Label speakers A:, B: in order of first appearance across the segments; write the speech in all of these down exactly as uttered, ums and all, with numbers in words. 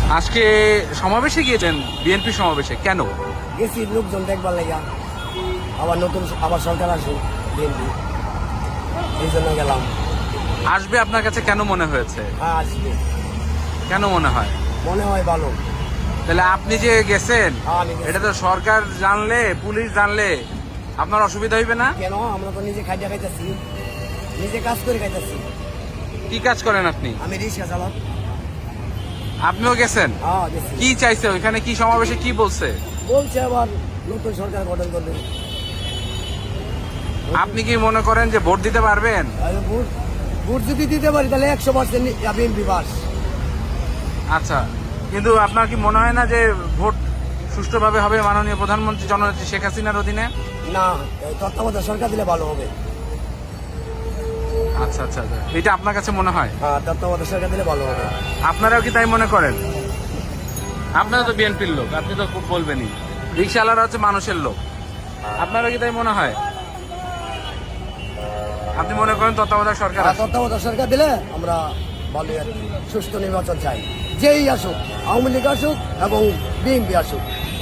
A: আজকে সমাবেশে গিয়েছেন, বিএনপি সমাবেশে, কেন?
B: গেছি লোকজন দেখবার লাগিয়া, আবার নতুন আবার সরকার আসুক বিএনপি, এই জন্য গেলাম।
A: আসবে আপনার কাছে কেন মনে হয়েছে?
B: হ্যাঁ আসবে,
A: কেন মনে হয়?
B: মনে হয় ভালো।
A: তাহলে আপনি যে গেছেন,
B: হ্যাঁ, আমি গেছি।
A: এটা তো সরকার জানলে, পুলিশ জানলে আপনার অসুবিধা হইবে না?
B: কেন? আমরা তো নিজে খাইতে খাইতেছি, নিজে কাজ করে খাইতেছি।
A: কি কাজ করেন আপনি?
B: আমি রিক্সা চালাম।
A: আপনিও গেছেন?
B: হ্যাঁ গেছি।
A: কি চাইছে ওইখানে? কি সমাবেশে কি বলছে?
B: বলছে আবার নতুন সরকার গঠন করবে।
A: আপনি কি মনে করেন যে ভোট দিতে পারবেন?
B: আর ভোট ভোট যদি দিতে পারি তাহলে একশো পার্সেন্ট বিএনপি পাস।
A: আচ্ছা, কিন্তু আপনার কি মনে হয় না যে ভোট সুষ্ঠুভাবে হবে মাননীয় প্রধানমন্ত্রী জননেত্রী শেখ হাসিনার অধীনে?
B: না, তত্ত্বাবধায়ক সরকার দিলে ভালো হবে।
A: আচ্ছা আচ্ছা আচ্ছা। এটা আপনার কাছে মনে হয়?
B: হ্যাঁ, তত্ত্বাবধায়ক সরকার দিলে ভালো হবে।
A: আপনারাও কি তাই মনে করেন? আপনারা তো বিএনপির লোক, আপনি তো খুব বলবেনই। রিক্সাওয়ালারা হচ্ছে মানুষের লোক, আপনারা কি তাই মনে হয়? আপনি মনে করেন তত্ত্বাবধায়ক সরকার
B: আর
A: আছে?
B: তত্ত্বাবধায়ক সরকার দিলে আমরা ভালো আর কি সুষ্ঠু নির্বাচন চাই। যেই আসুক, আওয়ামী লীগ আসুক এবং বিএনপি আসুক।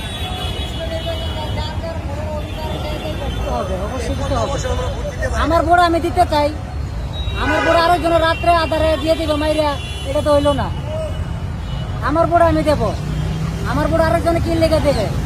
C: আমার ভোট আমি দিতে চাই। আমার ভোট আরেকজনের রাত্রে আধারে দিয়ে দিব মাইরা, এটা তো হইলো না। আমার ভোট আমি দেব, আমার ভোট আরেকজনে কি লেগে দেবে।